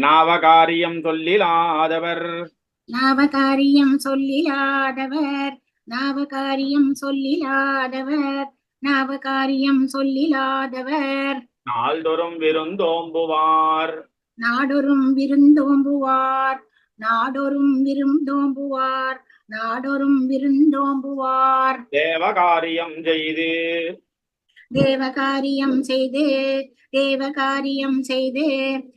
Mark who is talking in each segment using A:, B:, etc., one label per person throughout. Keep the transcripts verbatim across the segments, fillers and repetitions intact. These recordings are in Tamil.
A: நாவகாரியம் சொல்லிலாதவர்
B: நாவகாரியம் சொல்லிலாதவர் நாவகாரியம் சொல்லிலாதவர் நாவகாரியம் சொல்லிலாதவர்
A: நாள்தொறும் விருந்தோம்புவார்
B: நாடொரும் விருந்தோம்புவார் நாடொரும் விருந்தோம்புவார் நாடொரும் விருந்தோம்புவார்
A: தேவகாரியம் செய்து
B: தேவகாரியம் செய்து தேவகாரியம் செய்து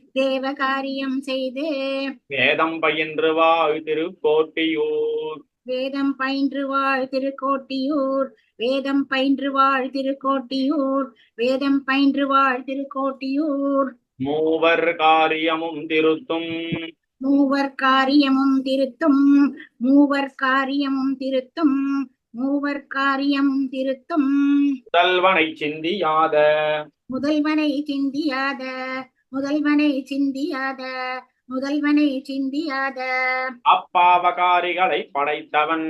B: தேவகாரியம் செய்து
A: வேதம் பயின்று வாழ் திருக்கோட்டியூர்
B: வேதம் பயின்று வாழ் திருக்கோட்டியூர் வேதம் பயின்று வாழ் திருக்கோட்டியூர் வேதம் பயின்று வாழ் திருக்கோட்டியூர்
A: மூவர் காரியமும் திருத்தும்
B: மூவர் காரியமும் திருத்தும் மூவர் காரியமும் திருத்தும் மூவர் காரியமும் திருத்தும்
A: முதல்வனை சிந்தியாத
B: முதல்வனை சிந்தியாத முதல்வனை சிந்தியாத முதல்வனை சிந்தியாத
A: அப்பாவகாரிகளை படைத்தவன்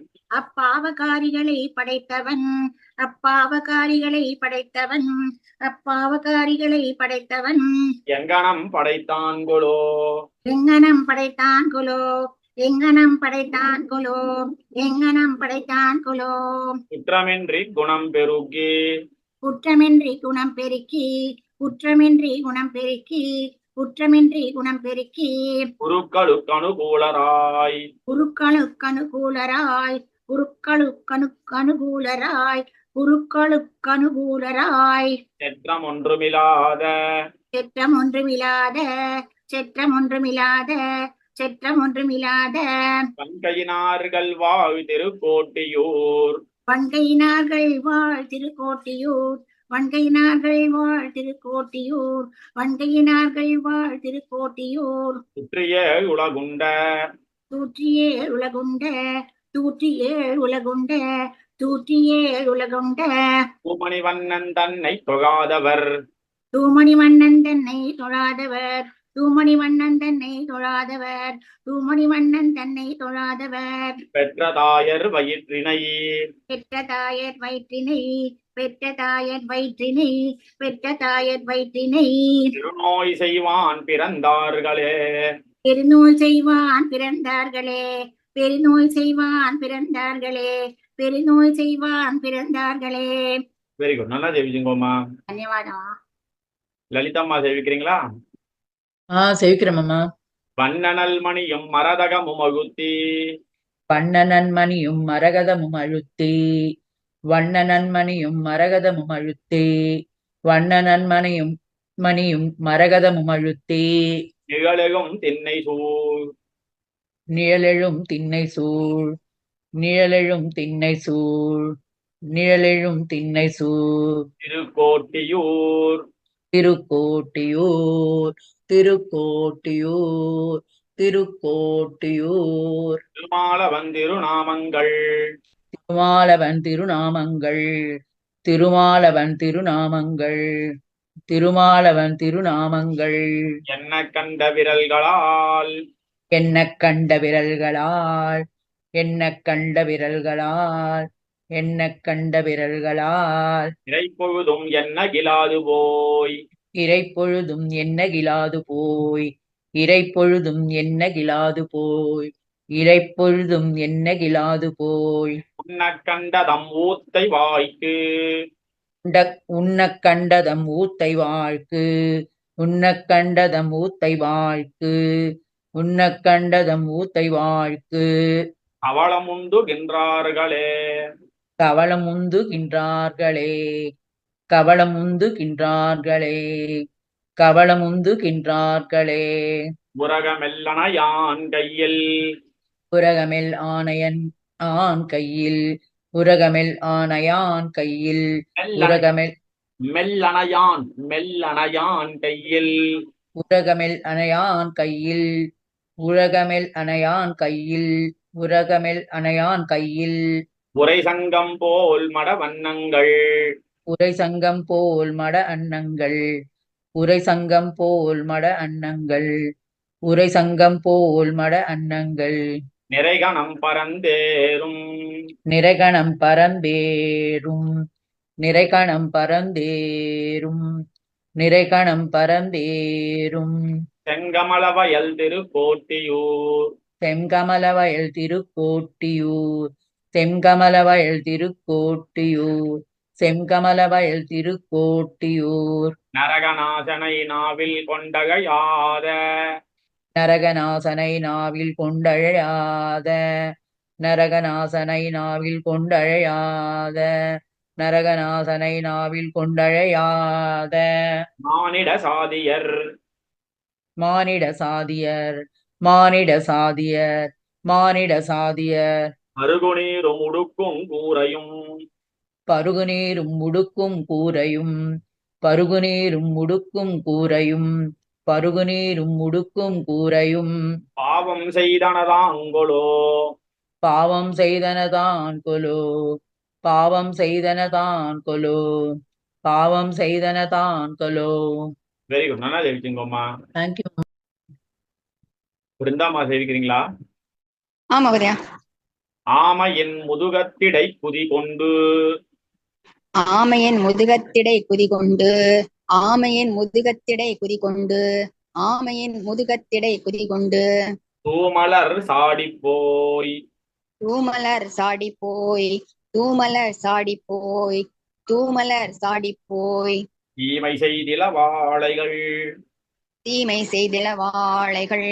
B: அப்பாவகாரிகளை படைத்தவன் அப்பாவகாரிகளை படைத்தவன் அப்பாவகாரிகளை படைத்தவன்
A: எங்கனம் படைத்தான்குளோ
B: எங்கனம் படைத்தான் குலோ எங்கனம் படைத்தான் குலோ எங்கனம் படைத்தான் குலோ
A: குற்றமின்றி குணம் பெருகி
B: குற்றமின்றி குணம் பெருக்கி குற்றமின்றி குணம் பெருக்கி குற்றமின்றி குணம் பெருக்கி
A: குருக்களுக்கு அனுகூலராய்
B: குருக்களுக்கு அனுகூலராய் குருக்களுக்கு அனுகூலராய் குருக்களுக்கு அனுகூலராய்
A: செற்றம் ஒன்றுமில்லாத
B: செற்றம் ஒன்றுமில்லாத செற்றம் ஒன்றுமில்லாத செற்றம் ஒன்றுமில்லாத
A: பங்கையினார்கள் வாழ் திருக்கோட்டியூர்
B: வண்கையினார்கள் வாழ் திருக்கோட்டியூர் வண்கையினார்கள் வாழ் திருக்கோட்டியூர் வண்கையினார்கள் வாழ் திருக்கோட்டியூர்
A: சுற்றிய உலகுண்ட
B: தூற்றியே உலகுண்ட தூற்றியே உலகுண்ட தூற்றியே உலகுண்ட
A: பூமணிவண்ணன் தன்னை தொழாதவர்
B: தூமணி மன்னன் தன்னை தொழாதவர் தூமணி மன்னன் தன்னை தொழாதவர் தூமணி மன்னன் தன்னை தொழாதவர்
A: பெற்ற தாயர் வயிற்றினை
B: பெற்ற தாயர் வயிற்றினை பெற்ற தாயர் வயிற்றினை பெற்ற தாயர் வயிற்றினை
A: திருநோய் செய்வான் பிறந்தார்களே
B: பெருநோய் செய்வான் பிறந்தார்களே பெருநோய் செய்வான் பிறந்தார்களே பெருநோய் செய்வான் பிறந்தார்களே.
A: வெரி குட், நல்லா ஜெயிச்சுங்கோமா.
B: தன்யவாதம்.
A: லலிதம்மா சேவிக்கிறீங்களா?
C: ஆஹ் சேவிக்கிறோம்மா.
A: வண்ணனல் மணியும் மரதகமும் அழுத்தி
C: வண்ணனன்மணியும் மரகதமும் அழுத்தி வண்ணனன்மணியும் மரகதமும் அழுத்தி வண்ணனன்மணியும் மணியும் மரகதமும் அழுத்தி
A: நிழலெழும் திண்ணை சூழ்
C: நிழலெழும் திண்ணை சூழ் நிழலெழும் திண்ணை சூழ் நிழலெழும் திண்ணை சூழ்
A: திருக்கோட்டியூர்
C: திருக்கோட்டியூர் திருக்கோட்டியூர் திருக்கோட்டியூர்
A: திருமாலவன் திருநாமங்கள்
C: திருமாலவன் திருநாமங்கள் திருமாலவன் திருநாமங்கள் திருமாலவன் திருநாமங்கள்
A: என்ன கண்ட விரல்களால்
C: என்ன கண்ட விரல்களால் என்ன கண்ட விரல்களால் என்ன கண்ட விரல்களால்
A: இறைப்பொழுதும் என்ன கிலாது போய்
C: இறைப்பொழுதும் என்ன கிலாது போய் இறைப்பொழுதும் என்ன கிலாது போய் இறைப்பொழுதும் என்ன கிலாது போய்
A: உன்ன கண்டதம் ஊத்தை வாய்க்கு
C: உண்ண கண்டதம் ஊத்தை வாழ்க்கு உண்ண கண்டதம் ஊத்தை வாழ்க்கு உண்ண கண்டதம் ஊத்தை வாழ்க்கு
A: அவளமுந்துகின்றார்களே
C: கவளமுந்துகின்றார்களே கவளமுந்துகின்றார்களே கவளமுந்துகின்றார்களே
A: உரகமெல்லன யான் கையில்
C: உரகமெல் ஆணையன் ஆண் கையில் உரகமெல் ஆணையான் கையில் உரகமெல்
A: மெல்லணையான் மெல்லணையான் கையில்
C: உரகமெல் அணையான் கையில் உரகமெல் அணையான் கையில் உரகமெல் அணையான் கையில்
A: உரை சங்கம் போல் மட வண்ணங்கள்
C: உரை சங்கம் போல் மட அன்னங்கள் உரை சங்கம் போல் மட அன்னங்கள் உரை சங்கம் போல் மட அன்னங்கள்
A: நிறைகணம் பரந்தேறும்
C: நிறைகணம் பரந்தேறும் நிறைகணம் பரந்தேறும் நிறைகணம் பரந்தேறும்
A: செங்கமலவயல் திருக்கோட்டியூர்
C: செங்கமலவயல் திருக்கோட்டியூர் செங்கமலவயல் திருக்கோட்டியூர் செங்கமலவயல் திருக்கோட்டியூர்
A: நரகநாசனை நாவில் கொண்டகையாத
C: நரகநாசனை நாவில் கொண்டழையாத நரகநாசனை நாவில் கொண்டழையாத நரகநாசனை நாவில் கொண்டழையாத
A: மானிட சாதியர்
C: மானிட சாதியர் மானிட சாதியர் மானிட சாதியர்
A: அருகுநீரும் உடுக்கும் கூரையும்
C: பருகுநீரும் முடுக்கும் கூரையும் பருகுநீரும் முடுக்கும் கூரையும் பருகுநீரும் முடுக்கும் கூரையும்
A: பாவம் செய்தனதாங்கொலோ
C: பாவம் செய்தனதான் கொலோ பாவம் செய்தனதான் கொலோ பாவம் செய்தனதான் கொலோ.
A: வெரி குட், நல்லா சேவிச்சுங்கம்மா.
C: தேங்க்யூ.
A: பிருந்தாமா சேவிக்கிறீங்களா?
D: ஆமா மகோதயா.
A: ஆமையின் முதுகத்திடை குதி கொண்டு
D: ஆமையின் முதுகத்திடை குதி கொண்டு ஆமையின் முதுகத்திடை குதி கொண்டு ஆமையின் முதுகத்திடை குதி கொண்டு
A: தூமலர் சாடி போய்
D: தூமலர் சாடி போய் தூமலர் சாடி போய் தூமலர் சாடி போய்
A: தீமை செய்தில வாழைகள்
D: தீமை செய்தில வாழைகள்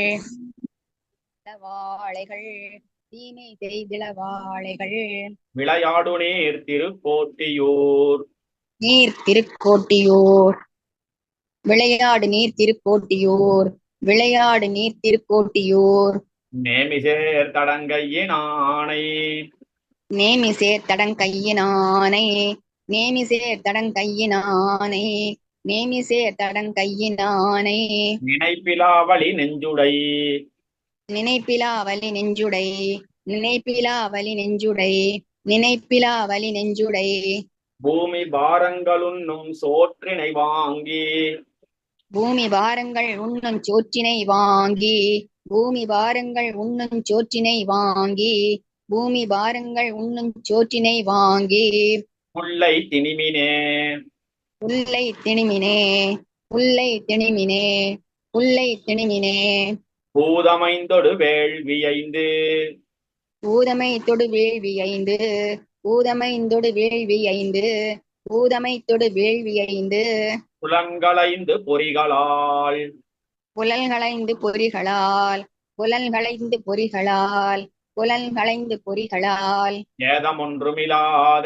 D: வாழைகள் தீமை செய்தில வாழைகள்
A: விளையாடு நீர் திருக்கோட்டியூர்
D: நீர் திருக்கோட்டியூர் விளையாடு நீர் திருக்கோட்டியூர் விளையாடு நீர் திருக்கோட்டியூர்
A: நேமிசேர் தடங்கையின் ஆணை
D: நேமிசேர் தடங்கையினானை நேமிசேர் தடங்கையினானை நேமிசேர் தடங்கையினானை
A: நினைப்பிலாவளி நெஞ்சுடை
D: நினைப்பிலா வலி நெஞ்சுடை நினைப்பிலா வலி நெஞ்சுடை நினைப்பிலா வலி நெஞ்சுடை
A: பூமி பாரங்களுன்னும் சோற்றினை வாங்கி
D: பூமி பாரங்கள் உண்ணும் சோற்றினை வாங்கி பூமி பாரங்கள் உண்ணும் சோற்றினை வாங்கி பூமி பாரங்கள் உண்ணும் சோற்றினை வாங்கி
A: புல்லை திணிமினே
D: புல்லை திணிமினே புல்லை திணிமினே புல்லை திணிமினே
A: பூதமைந்தொடு வேள்வியைந்து
D: பூதமை தொடு வேள்வி ஐந்து பூதமை தொடு வேள்வி ஐந்து பூதமை தொடு வேள்வி ஐந்து
A: புலன்களைந்து பொறிகளால்
D: புலன்களைந்து பொறிகளால் புலன்களைந்து பொறிகளால் புலன்களைந்து பொறிகளால்
A: ஏதமொன்றுமிலாத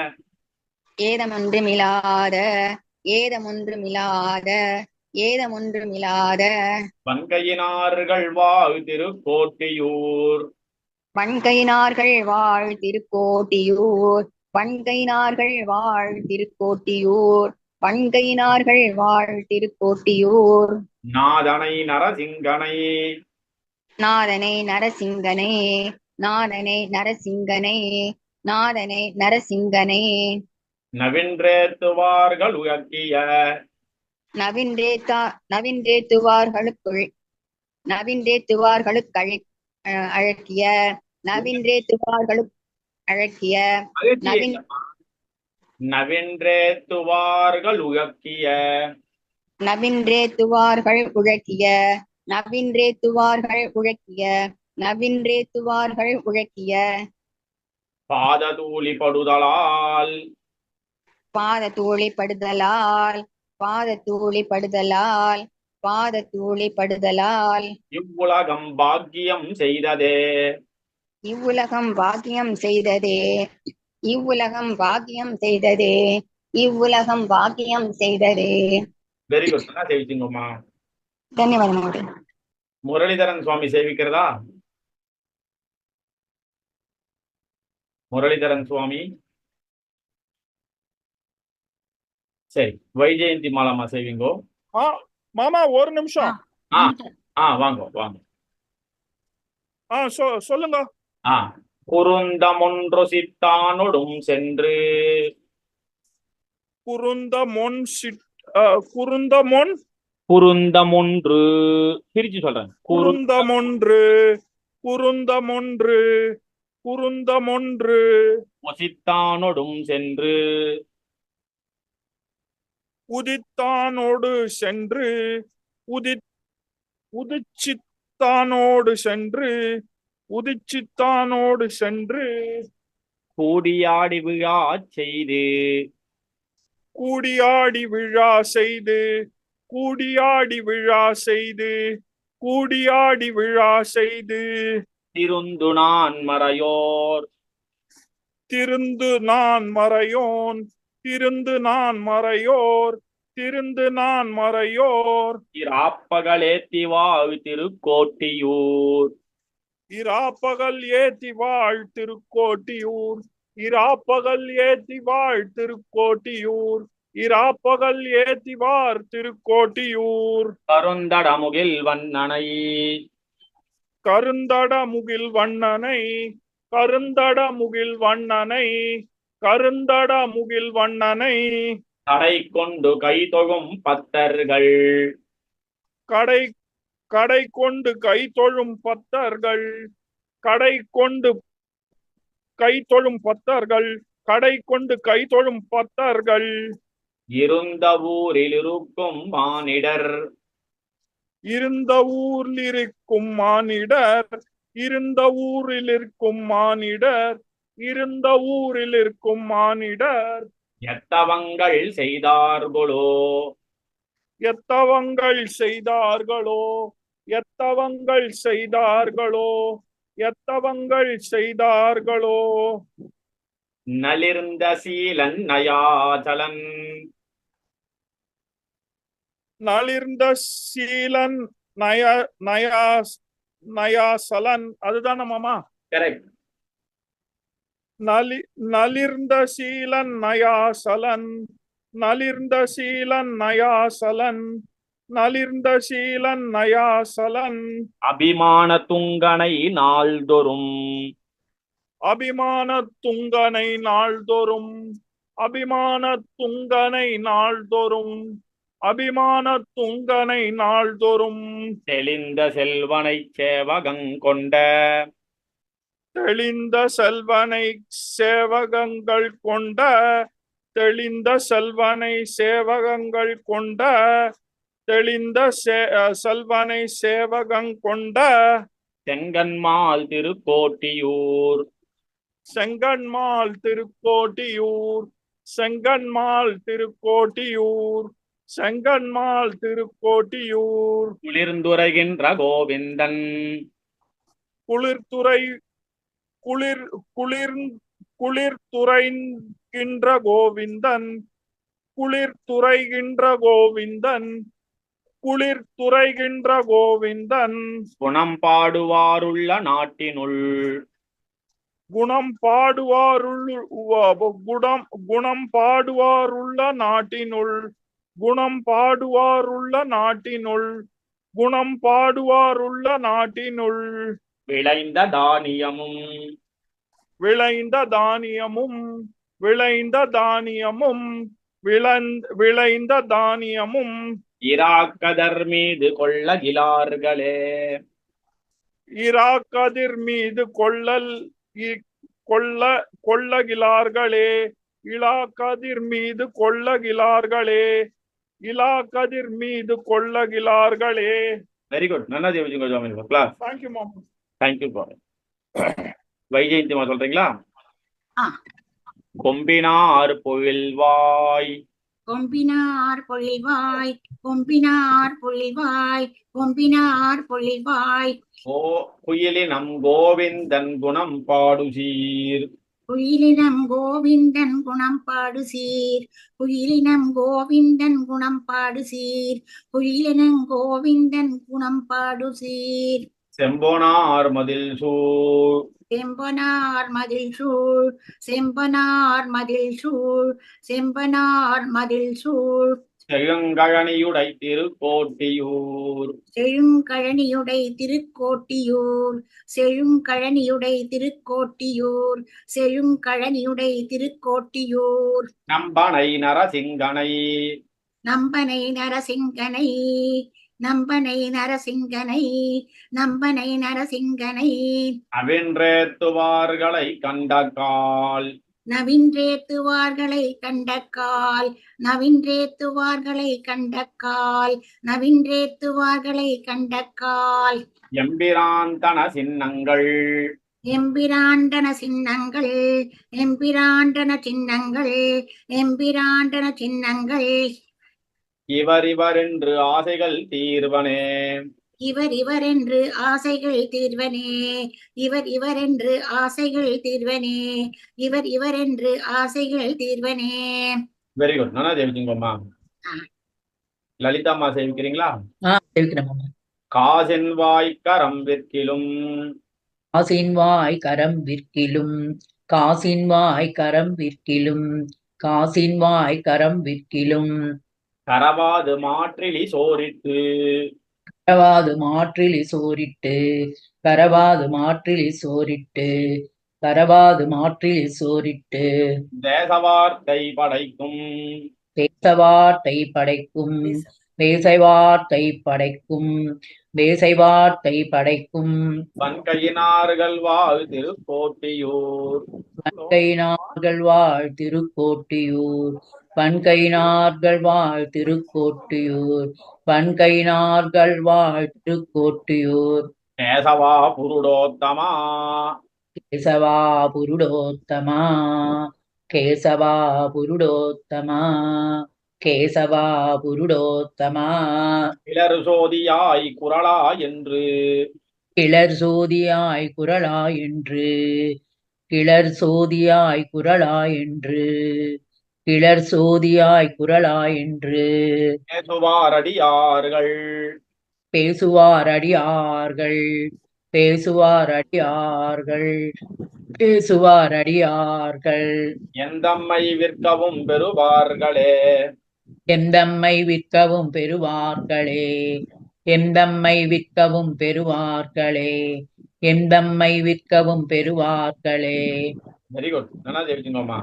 D: ஏதமொன்றுமிலாத ஏதமொன்றுமிலாத ஏதமொன்றுமிலாத
A: வன்கையினார்கள் வாழ் திருக்கோட்டியூர்
D: வன்கையினார்கள் வாழ் திருக்கோட்டியூர் வன்கையினார்கள் வாழ் திருக்கோட்டியூர் வன்கையினார்கள் வாழ் திருக்கோட்டியூர்
A: நாதனை நரசிங்கனை
D: நாதனை நரசிங்கனை நாதனை நரசிங்கனை நாதனை நரசிங்கனை
A: நவின்றேத்துவார்கள் உயர்த்திய
D: நவின்றேத்தா நவின்றேத்துவார்களுக்குள் நவின்றேத்துவார்களுக்கு அழக்கிய நவின்றேத்துவார்களுக்கு அழக்கிய நவின்
A: நவின்றேத்துவார்கள் உயர்த்திய
D: நவின்றேத்துவார்கள் உழக்கிய நவின்றேத்துவார்கள் உழக்கிய நவின்றேத்துவார்கள் உழக்கிய
A: பாததூளி படுதலால்
D: பாத தூளி படுதலால் பாத தூளி படுதலால் பாத தூளி படுதலால்
A: இவ்வுலகம் பாக்கியம் செய்ததே
D: இவ்வுலகம் பாக்கியம் செய்ததே இவ்வுலகம் பாக்கியம் செய்ததே இவ்வுலகம் பாக்கியம் செய்ததே.
A: வெரி குட், நல்லா சேவிச்சுங்கம்மா.
D: ಧನ್ಯವಾದ.
A: முரளிதரன் சுவாமி சேவிக்கிறதா? முரளிதரன் சுவாமி. சரி, வைஜெயந்தி மாலாமா சேவிங்கோ.
E: மாமா ஒரு நிமிஷம்.
A: ஆ ஆ வாங்க வாங்க.
E: ஆ சொ சொல்லுங்க.
A: ஆ குருந்தமொன்று சித்தானொடும் சென்று
E: குருந்தமொன் சிட் குருந்தமொன்
A: குருந்தமொன்று பிரிச்சு சொல்றேன்.
E: குருந்தமொன்று குருந்தமொன்று குருந்தமொன்று
A: சித்தானொடும் சென்று
E: உதித்தானோடு சென்று உதித் உதிச்சித்தானோடு சென்று உதிச்சித்தானோடு சென்று
A: கூடியாடி விழா செய்து
E: கூடியாடி விழா செய்து கூடியாடி விழா செய்து கூடியாடி விழா செய்து
A: திருந்து நான் மறையோர்
E: திருந்து நான் மறையோன் திருந்து நான் மறையோர் திருந்து நான் மறையோர்
A: இராப்பகலேத்தி வாழ் திருக்கோட்டியூர்
E: இராப்பகல் ஏத்தி வாழ் திருக்கோட்டியூர் இராப்பகல் ஏத்தி வாழ் திருக்கோட்டியூர் இராப்பகல் ஏத்தி வார் திருக்கோட்டியூர்
A: கருந்தடமுகில் வண்ணனை
E: கருந்தட முகில் வண்ணனை கருந்தட முகில் வண்ணனை கருந்தட முகில் வண்ணனை
A: கடை கொண்டு கை தொழும் பத்தர்கள்
E: கடை கடை கொண்டு கை தொழும் பத்தர்கள் கடை கொண்டு கை தொழும் பத்தர்கள் கடை கொண்டு கை தொழும் பத்தர்கள்
A: இருந்த ஊரில் இருக்கும் மானிடர்
E: இருந்த ஊரில் இருக்கும் மானிடர் இருந்த ஊரில் இருக்கும் மானிடர் இருந்த ஊரில் இருக்கும் மானிடர்
A: எத்தவங்கள் செய்தார்களோ
E: எத்தவங்கள் செய்தார்களோ எத்தவங்கள் செய்தார்களோ எத்தவங்கள் செய்தார்களோ
A: நலிர்ந்த சீலன் நயாச்சலன்
E: நலிர்ந்த சீலன் நய நயா நயாசலன் அதுதான் மாமா
A: கரெக்ட்
E: நலி நலிர்ந்த சீலன் நயாசலன் நலிர்ந்த சீலன் நயாசலன் நலிர்ந்த சீலன் நயாசலன்
A: அபிமான துங்கனை நாள்தொறும்
E: அபிமான துங்கனை நாள்தோறும் அபிமான துங்கனை நாள்தோறும் அபிமான துங்கனை நாள்தோறும்
A: தெளிந்த செல்வனை சேவகங்கொண்ட
E: தெளிந்த செல்வனை சேவகங்கள் கொண்ட தெளிந்த செல்வனை சேவகங்கள் கொண்ட தெளிந்த செல்வனை சேவகங் கொண்ட
A: செங்கன்மால் திருக்கோட்டியூர்
E: செங்கன்மால் திருக்கோட்டியூர் செங்கன்மால் திருக்கோட்டியூர் செங்கன்மால் திருக்கோட்டியூர்
A: குளிர்ந்துரைகின்ற கோவிந்தன்
E: குளிர்துறை குளிர் குளிர் குளிர்துறைகின்ற கோவிந்தன் குளிர்துறைகின்ற கோவிந்தன் குளிர்துறைகின்ற கோவிந்தன்
A: குணம் பாடுவாருள்ள நாட்டினுள்
E: குணம் பாடுவாருள் குணம் குணம் பாடுவாருள்ள நாட்டினுள் குணம் பாடுவாருள்ள நாட்டினுள் குணம் பாடுவாருள்ள நாட்டினுள்
A: விளைந்த தானியமும்
E: விளைந்த தானியமும் விளைந்த தானியமும் விளைந்த விளைந்த தானியமும்
A: இராக்கதர் மீது கொள்ளகிலார்களே
E: இராக்கதிர் மீது கொள்ளல் கொள்ள கொள்ளகிலார்களே இலாக்கதிர் மீது கொள்ளகிலார்களே இலாக்கதிர் மீது கொள்ளகிலார்களே
A: வெரி குட் நல்லா ஜெயிச்சுங்க சுவாமி கிளாஸ்
E: தேங்க்யூ மாம்
A: தேங்க்யூ வைஜெயந்திமா சொல்றீங்களா
B: ஆ.
A: கொம்பினார் பொழில்வாய்
B: கொம்பினார் பொழில்வாய் கொம்பினார் பொழில்வாய் கொம்பினார் பொழில்வாய்
A: ஓ குயிலினம் கோவிந்தன் குணம் பாடுசீர்
B: குயிலினம் கோவிந்தன் குணம் பாடு சீர் குயிலினம் கோவிந்தன் குணம் பாடு சீர் குயிலினம் கோவிந்தன் குணம் பாடு சீர்
A: செம்போனார் மதில் சூழ்
B: செம்பனார் மதில் சூழ் செம்பனார் மதில் சூழ் செம்பனார் மதில் சூழ்
A: செழுங்கழனியுடை திருக்கோட்டியூர்
B: செழுங்கழனியுடை திருக்கோட்டியூர் செழுங்கழனியுடை திருக்கோட்டியூர் செழுங்கழனியுடை திருக்கோட்டியூர்
A: நம்பனை நரசிங்கனை
B: நம்பனை நரசிங்கனை நம்பனை நரசிங்கனை நம்பனை நரசிங்கனை
A: அவின்றேத்துவார்களை கண்டகால்
B: நவின்றேத்துவார்களை கண்டக்கால் நவின்றேத்துவார்களை கண்டக்கால் நவின்றேத்துவார்களை கண்டக்கால்
A: எம்பிரான் தன சின்னங்கள்
B: எம்பிராண்டன சின்னங்கள் எம்பிராண்டன சின்னங்கள் எம்பிராண்டன சின்னங்கள்
A: இவர் இவர் என்று ஆசைகள் தீர்வனே
B: இவர் இவர் என்று ஆசைகள் தீர்வனே இவர் இவர் என்று ஆசைகள் தீர்வனே இவர் இவர் என்று ஆசைகள் தீர்வனே.
A: Very good. நானா ஜெயிச்சிங்கம்மா. லலிதாம்மா சேவிக்கிறீங்களா?
C: ஆஹ் சேவிக்கிறேன் மாமா.
A: காசின் வாய் கரம் விற்கிலும்
C: காசின் வாய் கரம் விற்கிலும் காசின் வாய் கரம் விற்கிலும் காசின் வாய் கரம் விற்கிலும்
A: கரவாது மாற்றிலி சோரிட்டு
C: கரவாது மாற்றிலி சோரிட்டு கரவாது மாற்றிலி சோரிட்டு கரவாது மாற்றிலி சோரிட்டு
A: தேசவார்த்தை படைக்கும்
C: பேசவார்த்தை படைக்கும் பேசைவார்த்தை படைக்கும் பேசைவார்த்தை படைக்கும்
A: வன்கையினார்கள் வாழ் திருக்கோட்டியூர்
C: வன்கையினார்கள் வாழ் திருக்கோட்டியூர் வன்கையினார்கள் வாழ் திருக்கோட்டியூர் வன்கையினார்கள் வாழ் திருக்கோட்டியூர்
A: கேசவா புருடோத்தமா
C: கேசவா புருடோத்தமா கேசவா புருடோத்தமா கேசவா புருடோத்தமா
A: கிளறு சோதியாய் குரலா என்று
C: கிளர் சோதியாய் குரலா என்று கிளர் சோதியாய் குரலா என்று கிளர் சோதியாய் குரலா என்று
A: பேசுவாரடியார்கள்
C: பேசுவார் அடியார்கள் பேசுவார் அடியார்கள் பேசுவார் அடியார்கள்
A: எந்தம்மை விற்கவும் பெறுவார்களே
C: எந்தம்மை விற்கவும் பெறுவார்களே எந்தம்மை விற்கவும் பெறுவார்களே எந்தம்மை விற்கவும் பெறுவார்களே.
A: Very good. நல்லா ஜெயிச்சிங்கம்மா.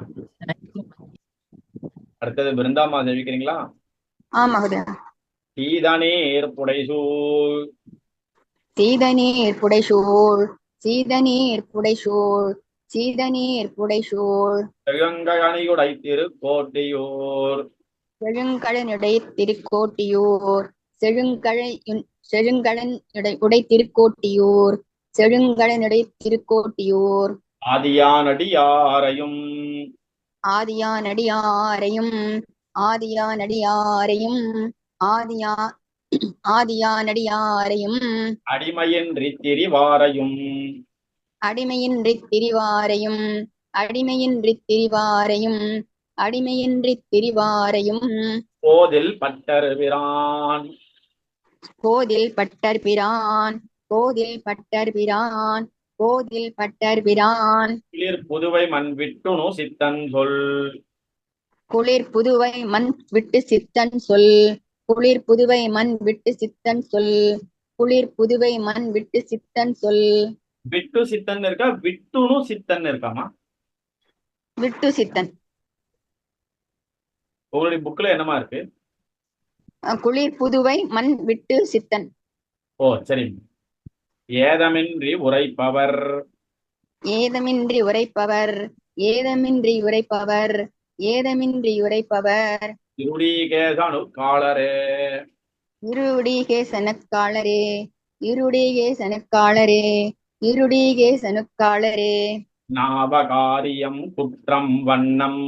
A: அடுத்தது பிருந்தாம்மா ஜெயிக்கிறீங்களா?
D: ஆம் மகோதயா.
A: சீதநீர் புடைசூழ்
D: சீதநீர் புடைசூழ் சீதநீர் புடைசூழ் சீதநீர் புடைசூழ்
A: செழுங்கழனியுடை திருக்கோட்டியூர்
D: செழுங்கழனுடை திருக்கோட்டியூர் செழுங்கழை செழுங்கழன் உடை திருக்கோட்டியூர் செழுங்கழனுடை திருக்கோட்டியூர்
A: ஆதியானடியாரையும்
D: ஆதியானடியாரையும் ஆதியானடியாரையும் ஆதியா ஆதியானடியாரையும்
A: அடிமையின்றி திரிவாரையும்
D: அடிமையின்றி திரிவாரையும் அடிமையின்றி திரிவாரையும் அடிமையின்றி திரிவாரையும்
A: கோதில் பட்டர் பிரான்
D: கோதில் பட்டர் பிரான் கோதில் பட்டர் பிரான் கோதில் பட்டர் பிரான்
A: குளிர் புதுவை மண் விட்டுணு சித்தன் சொல்
D: குளிர் புதுவை மண் விட்டு சித்தன் சொல் குளிர் புதுவை மண் விட்டு சித்தன் சொல் குளிர் புதுவை மண் விட்டு சித்தன் சொல்.
A: விட்டு சித்தன் இருக்கா விட்டுணு சித்தன் இருக்காமா?
D: விட்டு சித்தன்.
A: உங்களுடைய புக்ல என்னமா இருக்கு?
D: குளிர் புதுவை மண் விட்டு சித்தன்.
A: ஓ சரி. ஏதமின்றி உரைப்பவர்
D: ஏதமின்றி உரைப்பவர் ஏதமின்றி உரைப்பவர் ஏதமின்றி உரைப்பவர்
A: இருடீகேசனு காலரே
D: இருடீகேசனுக்காளரே இருடீகேசனுக்காளரே இருடீகேசனுக்காளரே.
A: நாவகாரியம் குற்றம் வண்ணம்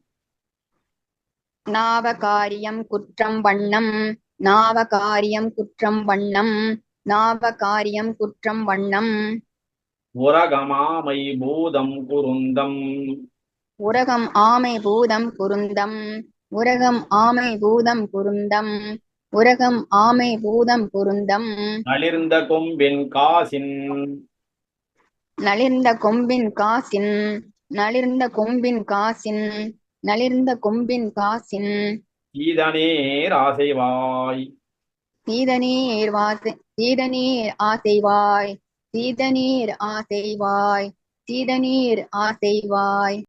D: நாவகாரியம் குற்றம் வண்ணம் நாவகாரியம் குற்றம் வண்ணம் நாவகாரியம் குற்றம் வண்ணம்.
A: உரகமாமை பூதம் குருந்தம்
D: உரகம் ஆமை பூதம் குருந்தம் உரகம் ஆமை பூதம் குருந்தம் உரகம் ஆமை பூதம் குருந்தம்.
A: நளிர்ந்த கொம்பின் காசின்
D: நளிர்ந்த கொம்பின் காசின் நளிர்ந்த கொம்பின் காசின் நளிர்ந்த கொம்பின் காசின்.
A: சீதநீர் ஆசைவாய்
D: சீதநீர் வாசை சீதநீர் ஆசைவாய் சீதநீர் ஆசைவாய் சீதநீர் ஆசைவாய்.